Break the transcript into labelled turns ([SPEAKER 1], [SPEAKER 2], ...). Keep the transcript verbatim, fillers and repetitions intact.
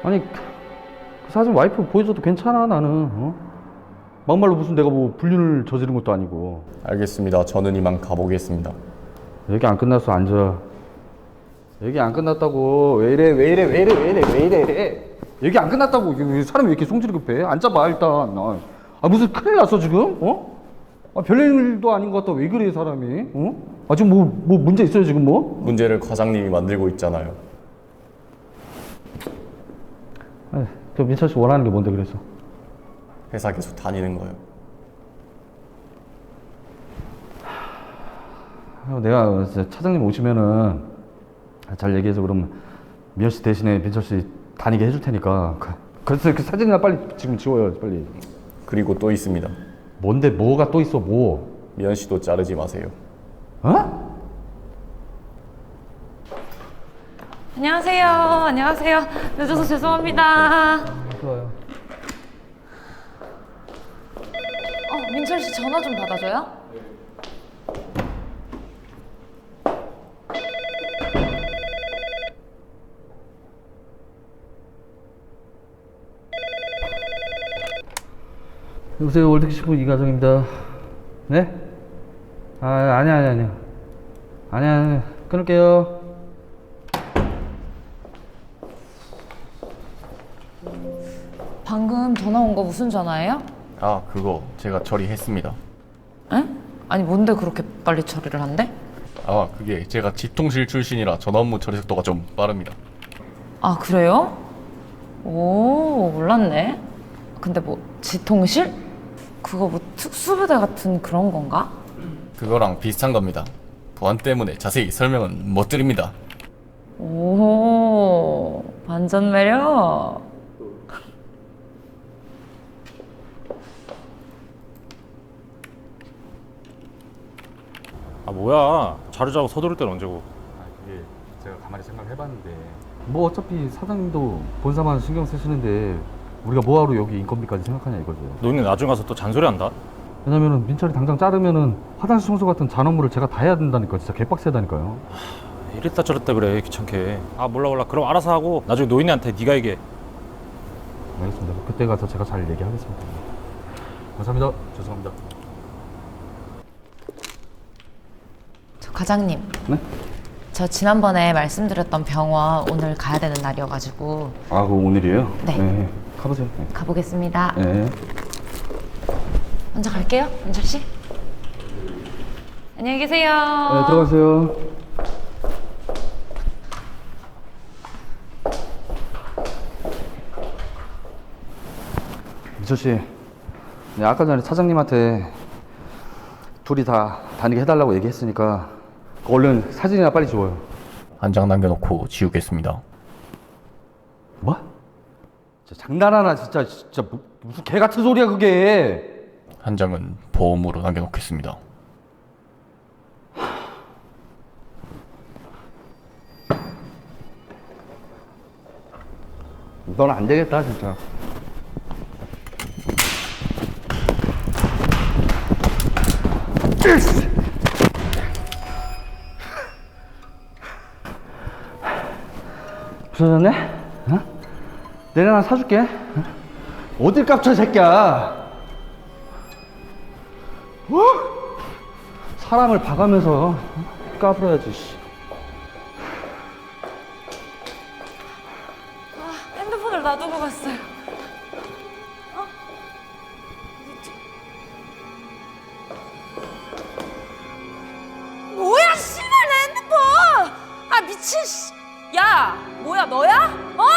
[SPEAKER 1] 아니 그 사진 와이프 보여줘도 괜찮아 나는. 어? 막말로 무슨 내가 뭐 불륜을 저지른 것도 아니고.
[SPEAKER 2] 알겠습니다. 저는 이만 가보겠습니다.
[SPEAKER 1] 얘기 안 끝났어. 앉아. 얘기 안 끝났다고. 왜 이래 왜 이래 왜 이래 왜 이래 왜 이래. 얘기 안 끝났다고. 이게 사람이 왜 이렇게 성질이 급해? 앉아봐 일단. 아, 아 무슨 큰일 났어 지금? 어? 아, 별일도 아닌 것 같다. 왜 그래 사람이? 어? 아 지금 뭐, 뭐 문제 있어요 지금 뭐?
[SPEAKER 2] 문제를 과장님이 만들고 있잖아요.
[SPEAKER 1] 아, 저 민철 씨 원하는 게 뭔데 그래서?
[SPEAKER 2] 회사 계속 다니는 거요.
[SPEAKER 1] 아, 내가 진짜 차장님 오시면은 잘 얘기해서 그럼 미연 씨 대신에 민철 씨 다니게 해줄 테니까. 그- 그래서 그 사진이나 빨리 지금 지워요 빨리.
[SPEAKER 2] 그리고 또 있습니다.
[SPEAKER 1] 뭔데 뭐가 또 있어 뭐?
[SPEAKER 2] 미연 씨도 자르지 마세요.
[SPEAKER 1] 어?
[SPEAKER 3] 안녕하세요. 안녕하세요. 늦어서 죄송합니다.
[SPEAKER 1] 좋아요.
[SPEAKER 3] 어, 민철 씨 전화 좀 받아줘요.
[SPEAKER 1] 여보세요 월드키시프 이가정입니다. 네? 아 아니야 아니야 아니야 아니야 아니야 끊을게요.
[SPEAKER 3] 방금 전화 온 거 무슨 전화예요?
[SPEAKER 2] 아, 그거 제가 처리했습니다.
[SPEAKER 3] 에? 아니 뭔데 그렇게 빨리 처리를 한대?
[SPEAKER 2] 아, 그게 제가 지통실 출신이라 전화 업무 처리 속도가 좀 빠릅니다.
[SPEAKER 3] 아 그래요? 오 몰랐네. 근데 뭐 지통실? 그거 뭐 특수부대 같은 그런 건가?
[SPEAKER 2] 그거랑 비슷한 겁니다. 보안 때문에 자세히 설명은 못 드립니다.
[SPEAKER 3] 오 반전 매력.
[SPEAKER 4] 아 뭐야, 자료 자고 서두를 땐 언제고.
[SPEAKER 1] 아 그게 제가 가만히 생각해봤는데 뭐 어차피 사장님도 본사만 신경 쓰시는데 우리가 뭐하러 여기 인건비까지 생각하냐 이거죠.
[SPEAKER 4] 너희는 나중에 가서 또 잔소리한다.
[SPEAKER 1] 왜냐면은 민철이 당장 자르면은 화장실 청소 같은 잔업무를 제가 다 해야 된다니까. 진짜 개빡세다니까요.
[SPEAKER 4] 이랬다 저랬다 그래 귀찮게. 아 몰라 몰라, 그럼 알아서 하고 나중에 노인네한테 네가 얘기해.
[SPEAKER 1] 알겠습니다. 그때 가서 제가 잘 얘기하겠습니다. 감사합니다. 죄송합니다.
[SPEAKER 3] 저 과장님.
[SPEAKER 1] 네?
[SPEAKER 3] 저 지난번에 말씀드렸던 병원 오늘 가야 되는 날이어가지고
[SPEAKER 1] 아, 그거 오늘이에요?
[SPEAKER 3] 네.
[SPEAKER 1] 가보세요. 네.
[SPEAKER 3] 가보겠습니다.
[SPEAKER 1] 네.
[SPEAKER 3] 먼저 갈게요, 민철 씨. 안녕히 계세요.
[SPEAKER 1] 네, 들어가세요. 미철 씨, 네, 아까 전에 차장님한테 둘이 다 다니게 해달라고 얘기했으니까 얼른 사진이나 빨리 지워요.
[SPEAKER 2] 한 장 남겨놓고 지우겠습니다.
[SPEAKER 1] 뭐? 진짜 장난하나 진짜 진짜 뭐, 무슨 개 같은 소리야 그게.
[SPEAKER 2] 한 장은 보험으로 남겨놓겠습니다.
[SPEAKER 1] 넌 안 되겠다 진짜. 부서졌네? 어? 내가 하나 사줄게. 어? 어딜 깝쳐 새끼야. 어? 사람을 봐가면서 어? 까불어야지. 씨.
[SPEAKER 3] 아, 핸드폰을 놔두고 갔어요. 어? 뭐야, 씨발 내 핸드폰! 아 미친 씨. 야, 뭐야 너야? 어?